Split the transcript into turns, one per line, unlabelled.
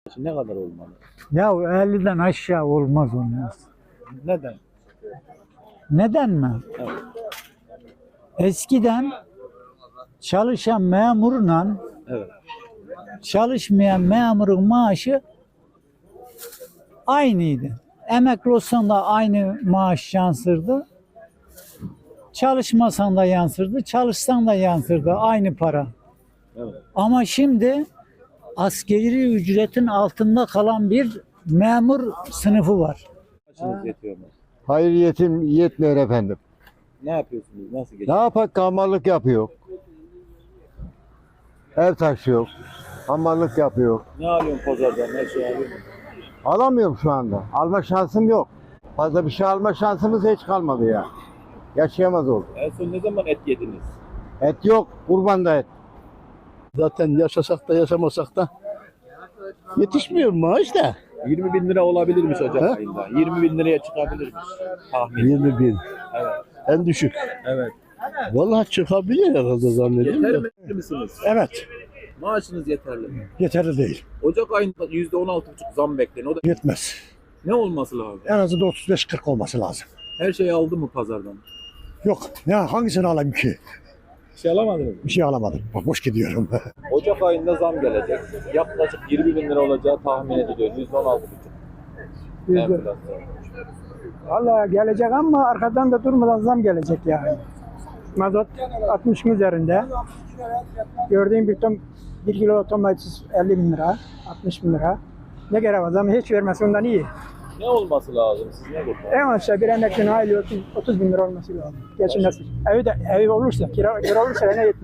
Ne kadar olmalı?
Ya 50'den aşağı olmaz olmaz.
Neden?
Neden mi?
Evet.
Eskiden çalışan memurla
Evet.
çalışmayan memurun maaşı aynıydı. Emekli olsan da aynı maaş yansırdı. Çalışmasan da yansırdı, çalışsan da yansırdı aynı para.
Evet.
Ama şimdi asgari ücretin altında kalan bir memur sınıfı var.
Açınız yetiyor mu?
Hayır yetmiyor efendim.
Ne yapıyorsunuz? Nasıl
Ne
geçiyor?
yapak hamallık yapıyor. Ev taşıyor. Hamallık yapıyor.
Ne alıyorsun pazardan? Ne şey alıyorsun?
Alamıyorum şu anda. Alma şansım yok. Fazla bir şey alma şansımız hiç kalmadı ya. Yaşayamaz olduk.
En son ne zaman et yediniz?
Et yok. Kurban da et.
Zaten yaşasak da yaşamasak da yetişmiyor maaş da.
20 bin lira olabilirmiş Ocak
He?
ayında. 20 bin liraya çıkabilirmiş. Tahmin.
20 bin.
Evet.
En düşük.
Evet.
Vallahi çıkabilir herhalde zannediyorum
Yeterli
da.
mi misiniz?
Evet,
Maaşınız yeterli mi?
yeterli değil.
Ocak ayında %16,5 zam bekleniyor. O da
Yetmez.
ne olması lazım?
En azından 35-40 olması lazım.
Her şeyi aldı mı pazardan?
Yok, ya hangisini alayım ki?
Bir şey alamadınız mı?
Bir şey alamadım. Bak boş gidiyorum.
Ocak ayında zam gelecek. Yaklaşık 20 bin lira olacağı tahmin ediliyor. %16,5. Enflasyon.
Vallahi gelecek ama arkadan da durmadan zam gelecek yani. Mazot 60'ın üzerinde. Gördüğüm bir kilo domates 50 bin lira, 60 bin lira. Ne gerek var? Zamı hiç vermesi ondan iyi.
Ne olması lazım? Siz ne kurtar?
En aşağı bir emeklinin aylığı 30 bin lira olması lazım. Geçinmesi. Evi olursa, kira olursa ne yetmez.